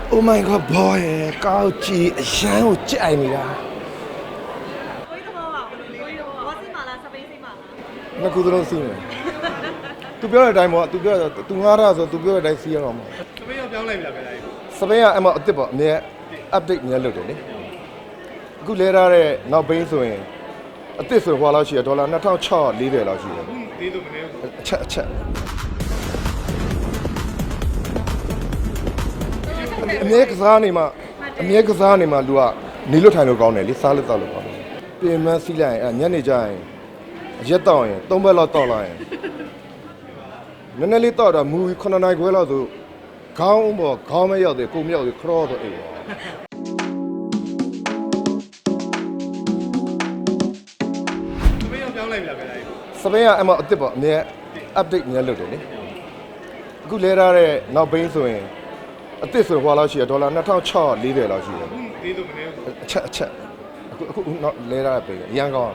Oh my god boy ကောက်ကြည့်အရန်ကိုကြိုက်နေတာကိုကြီးသဘောပါဘူးကိုကြီးသဘောစီမာလားစပိန်စီမာလားနှစ်ခုသလုံးစီးမယ်သူပြောတဲ့အတိုင်းပေါ့သူပြောသူငားရဆိုသူပြောတဲ့အတိုင်းစီးရအောင်ပေါ့စပိန်ရောပြောင်းလိုက်ပြီလားခင်ဗျာစပိန်ကအမအစ်စ်ပေါ့အမြဲ update များလုပ်တယ်လေအခုလဲထားတဲ့နောက်ဘိန်းဆိုရင်အစ်စ်ဆိုဟွာလောက်ရှိရဒေါ်လာ2640လောက်ရှိတယ်သေးလို့မနေဘူးအချက်အမြဲကစားနေမှာလူကနေလွတ်ထိုင်လို့ကောင်းတယ်လေစားလို့တောက်လို့ကောင်းတယ်ပြင်မစီးလိုက်ရင်ညနေကျရင်ရက်တော့ရင်3ဘက်လောက်တောက်လိုက်ရင်နည်းနည်းလေးတောက်တာမူ9နိုင်ခွဲလောက်ဆိုခေါင်းပေါ်ခေါင်းမရောက်သေးကိုမရောက်သေးခရော့တော့အိမ်စပိန်ရောပြောင်းလိုက်ပြီလားခင်ဗျာစပိန်ကအမအစ်စ်ပေါ့အမြဲ update များလုပ်တယ်လေအခုလဲထားတဲ့နောက်ဘိန်းဆိုရင်အစ်စ်ဆိုဟွာလောက်ရှိရဒေါ်လာ2640လောက်ရှိတယ်သေးလို့မနေဘူးအချက်အခုတော့လဲထားတဲ့ဘိန်းအရန်ကောင်း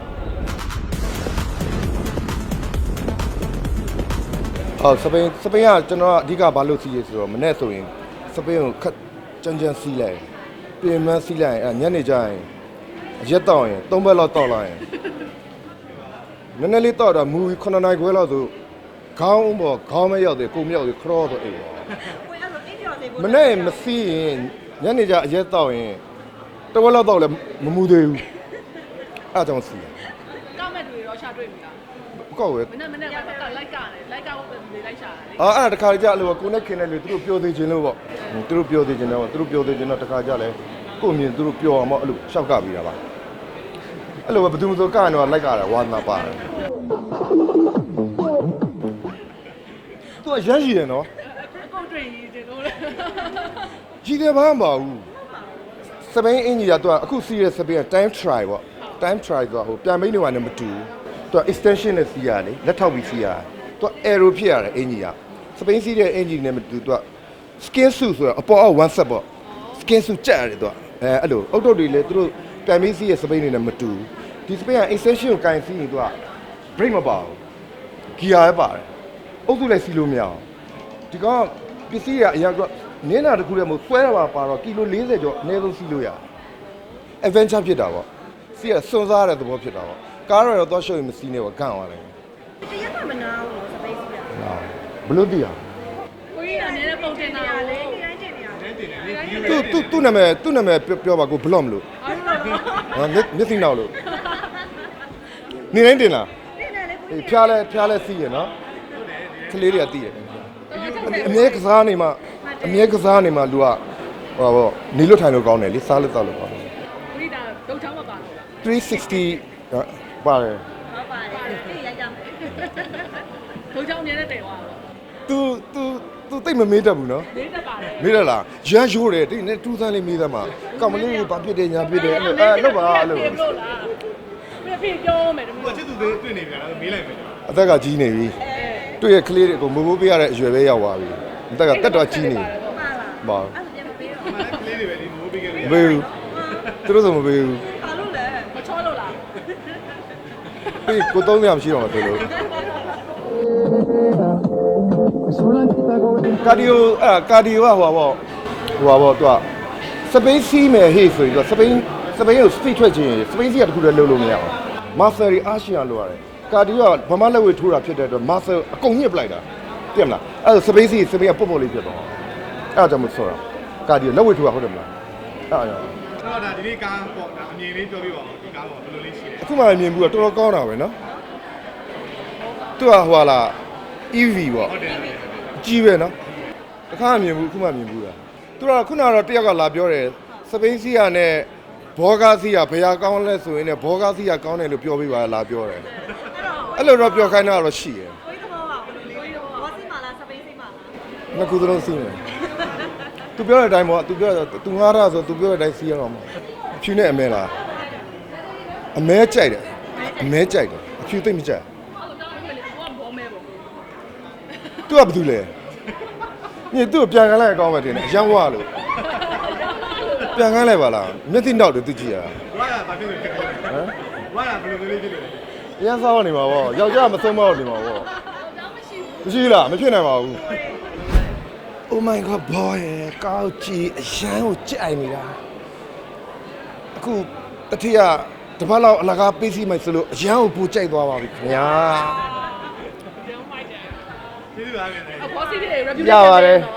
စပိန်ကကျွန်တော်အဓိကဘာလို့စီးရဆိုတော့မနေ့ဆိုရင်စပိန်ကိုခက်ကြမ်းစီးလိုက်ပြင်မစီးလိုက်ညနေကျရင်ရက်တော့ရင်3ဘက်လောက်တောက်လိုက်ရင်နည်းနည်းလေးတောက်တာမူ9နိုင်ခွဲလောက်ဆိုခေါင်းပေါ်ခေါင်းမရောက်သေးကိုမရောက်သေးခရော့တော့အိမ်ကိုအဲ့လိုအိမ်ပြော်သေးဘူးမနေ့မစီးရင်ညနေကျအရက်တော့ရင်တဝက်လောက်တော့လည်းမမူသေးဘူးအဲ့ကြောင့်စီးကောက်မဲ့တွေရောရှာတွေ့ပြီလားကောက်ဝဲမနေ့ကတော့လိုက်ကဟုတ်ပဲဒီလိုက်ရှာတာလေအဲ့ဒါတခါကြလို့ကိုနဲ့ခင်တဲ့လူသူတို့ပြောသေးခြင်းလို့ပေါ့သူတို့ပြောသေးခြင်းတော့သူတို့ပြောသေးခြင်းတော့တခါကြလဲကိုမြင်သူတို့ပြောအောင်ပေါ့အဲ့လိုရှောက်ကပြီးတာပါအဲ့လိုပဲဘယ်သူမှဆိုကရင်တော့လိုက်ကြတာဝါသနာပါတယ်သူကရမ်းရှိတယ်နော်အကုန်တွေ့ရည်တင်လို့လေကြီးတယ်ဘာမှမပါဘူးစပိန်အင်ကြီးကသူကအခုစီးရဲစပိန်က time try ပေါ့ time try ဆိုတော့ဟိုပြန်မိနေမှလည်းမတူသူက extension နဲ့စီးရတယ်လက်ထောက်ပြီးစီးရတယ်သူက aero ဖြစ်ရတယ်အင်ကြီးကစပိန်စီးတဲ့အင်ကြီးနဲ့မတူသူက skin suit ဆိုတော့အပေါ်အောက် one set ပေါ့ skin suit ကြက်ရတယ်သူကအဲ့လိုအုတ်တုတ်တွေလည်းသူတို့ပြန်ပြီးစီးရဲစပိန်တွေနဲ့မတူဒီစပိန်က extension ကိုကင်စီးရင်သူက brake မပါဘူး gear ပဲပါတယ်အုတ်စုလည်းစီးလို့မရအောင်ဒီကောင်ပစ္စည်းကအရာကနင်းတာတခုတည်းမဟုတ်ဆွဲတာပါတော့ကီလို40ကျော်အနည်းဆုံးစီးလို့ရ adventure ဖြစ်တာပေါ့စီးရစွန့်စားတဲ့သဘောဖြစ်တာပေါ့ကားတော့တော့ရှုပ်ရင်မစီးနဲ့ပေါ့ဂန့်သွားတယ်တရက်ကမနာဘူးစပိန်စီတာဘလို့သိရကိုကြီးကလည်းပုံတင်တာလေဒီတိုင်းတင်နေရသူ့နာမည်ပြောပါကိုဘလော့မလို့မျက်စိနောက်လို့နေတိုင်းတင်လားအေးဖျားလဲစီးရနော်ကလေးတွေကသိရအမြဲကစားနေမှလူကဟောပေါ့နေလွတ်ထိုင်လို့ကောင်းတယ်လေစားလို့တောက်လို့ကောင်းတယ်ကိုကြီးဒါဒုတ်ချောင်းမပါလို့လား 360ပါတယ်ဟုတ်ပါတယ်သိရကြမယ်ဒုတ်ချောင်းအများနဲ့တည်သွားတာသူတိတ်မမေးတတ်ဘူးနော်လေးတက်ပါတယ်မေးရလားရမ်းရိုးတယ်တိနဲ့2ဆန်းလေးမေးသမှာကောင်မလေးဘာဖြစ်တယ်ညာဖြစ်တယ်အဲ့လိုလောက်ပါအဲ့လိုလို့လားပြပြောမယ်တမီးကိုချစ်သူတွေတွေ့နေပြီလားမေးလိုက်မယ်အသက်ကကြီးနေပြီတွေ့ရကလေးတွေကိုမိုးမိုးပေးရတဲ့အရွယ်ပဲရောက်သွားပြီအသက်ကတက်တော့ကြီးနေပါပါအဲ့ဒါပြန်မပေးတော့ကလေးတွေပဲဒီမိုးပေးခဲ့တယ်မပေးဘူးသူတို့ဆိုမပေးဘူးဘာလို့လဲမချောလို့လားပေးကို300မရှိတော့မှတွေ့လို့ကာဒီယိုကဟိုပါသူကစပိန်စီးမယ်ဟေ့ဆိုရင်သူစပိန်ကိုစပီထွက်ခြင်းစပိန်စီးကတခုတည်းလှုပ်လို့မရအောင်မာဆယ်ရီအာရှီယန်လို့ရတယ်ကာဒီယိုကဗမာလက်ဝဲထိုးတာဖြစ်တဲ့အတွက်မာဆယ်အကုန်ညှစ်ပလိုက်တာသိမလားအဲ့ဒါစပိန်ကပုတ်ပုတ်လေးဖြစ်သွားအဲ့ဒါကြောင့်မဆိုတော့ကာဒီယိုလက်ဝဲထိုးတာဟုတ်တယ်မလားအဲ့ဒါတော့ဒါဒီနေ့ကားပေါ့ဒါအမြင်လေးပြောပြပါဦးဒီကားပေါ့ဘယ်လိုလေးရှိလဲအခုမှမြင်ဘူးတော့တော်တော်ကောင်းတာပဲနော်သူကဟိုလာ EV ပေါ့ဟုတ်တယ်ကြီးပဲနော်တခါမြင်ဘူးအခုမှမြင်ဘူးလားသူကခုနကတော့တယောက်ကလာပြောတယ်စပိန်စီယာနဲ့ဘောဂါစီယာဘယ်ဟာကောင်းလဲဆိုရင်လည်းဘောဂါစီယာကောင်းတယ်လို့ပြောပြပါလာပြောတယ်အဲ့လိုတော့ပြောခိုင်းတာတော့ရှိတယ်ကိုကြီးသဘောပါဘူးကိုကြီးသဘောစီမာလားစပိန်စီမာလားနှစ်ခုသလုံးစီးမယ်သူပြောတဲ့အတိုင်းပေါ့သူငားရဆိုသူပြောတဲ့အတိုင်းစီးရအောင်ဖြူနဲ့အမဲလားအမဲကြိုက်တယ်အဖြူသိမ့်မကြိုက်သူကဘာလုပ်လဲညသူ့ကိုပြန်ခံလိုက်အကောင်းပဲတင်တယ်အရန်ဝါလို့ပြန်ခံလိုက်ပါလားမျက်စိနောက်တယ်သူကြည့်ရဝါရဘာဖြစ်လို့ဖြစ်လဲဟမ်ဝါရဘယ်လိုလေးဖြစ်လို့လဲအရန်စားနေမှာပေါ့ယောက်ျားမဆုံးမတော့နေမှာပေါ့မရှိလားမဖြစ်နိုင်ပါဘူး Oh my god boy ကောက်ကြည့်အရန်ကိုကြိုက်နေတာအခုတတိယတပတ်လောက်အလကားပေးစီမယ်ဆိုလို့အရန်ကိုပူကြိုက်သွားပါပြီခင်ဗျာပြောင်းလိုက်တယ်ကျေးဇူးပါခင်ဗျာအပေါ်စီးတွေ review ရပါတယ်